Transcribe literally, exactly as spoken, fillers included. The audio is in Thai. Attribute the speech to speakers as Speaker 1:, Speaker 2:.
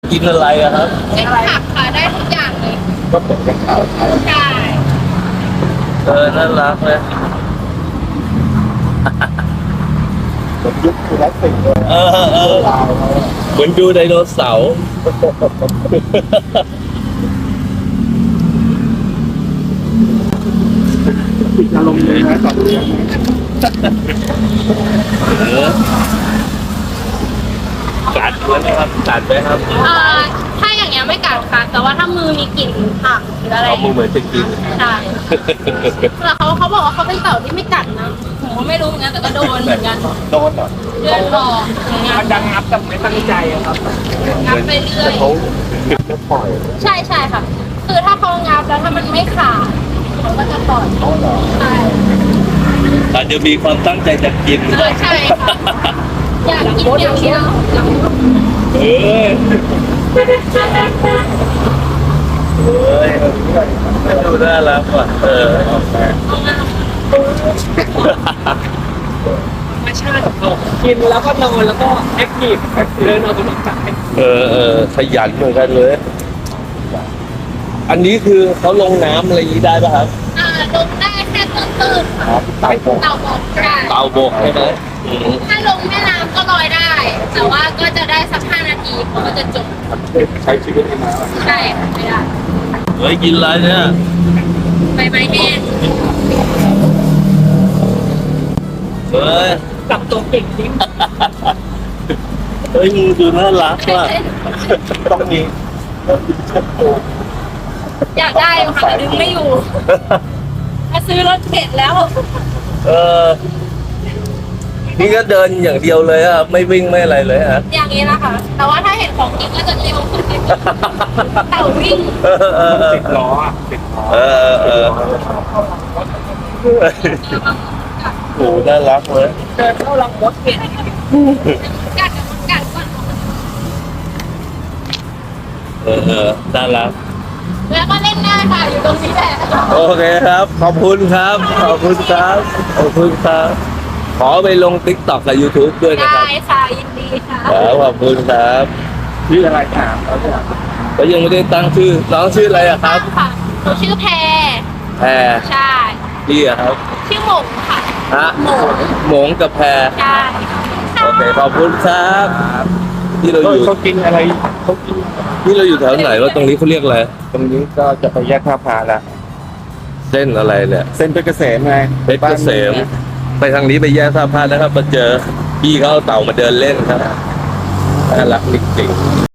Speaker 1: กินอะไรอะครับ
Speaker 2: เป็นผักค่ะได้ทุกอย่างเลย
Speaker 3: ก็เหมือนกับข่าวไทย
Speaker 2: ใช่
Speaker 1: เออน่ารักเลย
Speaker 3: เหมือนยุคคลาสสิกเลย
Speaker 1: เออเออ
Speaker 3: ลาวเขาอะ
Speaker 1: เหมือนดูไดโนเสาร์
Speaker 3: ติดอารมณ์เลยนะตอนนี้
Speaker 1: เออกัดไหมครับกัดไหมครับ
Speaker 2: เอ่อถ้าอย่างเงี้ยไม่กัดค่ะ แต่ว่าถ้ามือมีกลิ่นผักหรืออะไร
Speaker 1: เอามือเหมือนจะกิน
Speaker 2: ใช่แต่เขาเขาบอกว่าเขาเป็นเต่าที่ไม่กัดนะผมก็ไม่รู้เหมือนกันแต่ก็โดนเหมือนกัน
Speaker 3: โดนเหรอ
Speaker 2: เลือดออกอย่างเงี้ย
Speaker 4: มันดังงับแต่ไม่ตั้งใจอะครับ
Speaker 2: งับไปเรื่อย
Speaker 3: เขาจะปล่อย
Speaker 2: ใช่ใช่ค่ะ คือถ้าเขางับแล้วถ้ามันไม่ขาดเขาก็จะปล่อย
Speaker 3: เขาเหรอ
Speaker 2: ใช่
Speaker 1: อาจจะมีความตั้งใจจะกิน
Speaker 2: เออใช่ค่ะอยากกินอย่างเดียว
Speaker 1: เออเฮ้ยดูน่ารักว่ะเออ
Speaker 4: ธรรมชาติของเขากินแล้วก็นอนแล้วก็แอคทีฟเดินออกกำลังกาย
Speaker 1: เออเออขยันเหมือนกันเลย อันนี้คือเขาลงน้ำอะไรอย่างนี้ได้ป่ะครับ
Speaker 2: อ่าลงได้แค่ตื้นๆ
Speaker 3: ครับตายผม
Speaker 2: เต่าบกใช่
Speaker 1: เตาบกใช่ไหมอืม
Speaker 2: ถ้าลงแม่น้ำก็ลอยได้ แต่ว่าก็จะได้สักห้านาทีเขาก็จะจม
Speaker 3: ใช้ชีวิตในน้
Speaker 2: ใช่ค่ะไม่ได้
Speaker 1: เฮ้ยกินอะไรเนี่ย
Speaker 2: ใบไม้แห้ง
Speaker 1: เฮ้ย
Speaker 4: กลับตัวเก่งจริง
Speaker 1: เฮ้ยมึงดูน่ารักว่ะ
Speaker 3: ำต้องมีต้องมีเช็ดตัว
Speaker 2: อยากได้อยู่ค่ะแต่ดึงไม่อยู่มาซื้อรถเข็นแล้ว
Speaker 1: เออ นี่ก็เดินอย่างเดียวเลยอะไม่วิ่งไม่อะไรเลยฮะ
Speaker 2: อย่างนี้นะคะ แต่ว่าถ้าเห็นของกินก็จะเร็วขึ้นนิดนึงเต่าวิ่ง
Speaker 1: เออเออเออ
Speaker 3: ติดล้ออะติดล้อ
Speaker 1: เออเออโหน่ารักเลย
Speaker 4: เดินเข้าลังรถเก่ง
Speaker 2: กัดกัดก่อน
Speaker 1: เออเออน่ารัก
Speaker 2: แล้วก็เล่นได้ค่ะอยู่ตรงนี้แหละ
Speaker 1: โอเคครับ ขอบคุณครับ ขอบคุณครับ ขอบคุณครับ ขอไปลงติ๊กต็อกกับ YouTube ด้วยนะค
Speaker 2: ได้
Speaker 1: รับ
Speaker 2: ค่ะยินดีค่ะ
Speaker 1: ครับขอบคุณครับ
Speaker 3: ชื่ออะไรถามเขาเนี่ย
Speaker 1: ก็ยังไม่ได้ตั้งชื่อ น้องชื่ออะไรอะครับ
Speaker 2: ค่ะหนูชื่อแพร
Speaker 1: แพร
Speaker 2: ใช่
Speaker 1: พี่อะครับ
Speaker 2: ชื่อหมงค่ะ
Speaker 1: ฮะ
Speaker 2: หมง
Speaker 1: หมงกับแพร
Speaker 2: ใช่
Speaker 1: โอเค ขอบคุณครับที่เราอยู่
Speaker 3: เขากินอะไรเขากิน
Speaker 1: ที่เราอยู่แถวไหนว่าตรงนี้เขาเรียกอะไร
Speaker 3: ตรงนี้ก็จะไปแยกท่าพาละ
Speaker 1: เส้นอะไรเนี่ย
Speaker 3: เส้นเพชรเกษมไง
Speaker 1: เพชรเกษม ไปทางนี้ไปแยกท่าพระนะครับมาเจอพี่เขาเอาเต่ามาเดินเล่นครับน่ารักจริงๆ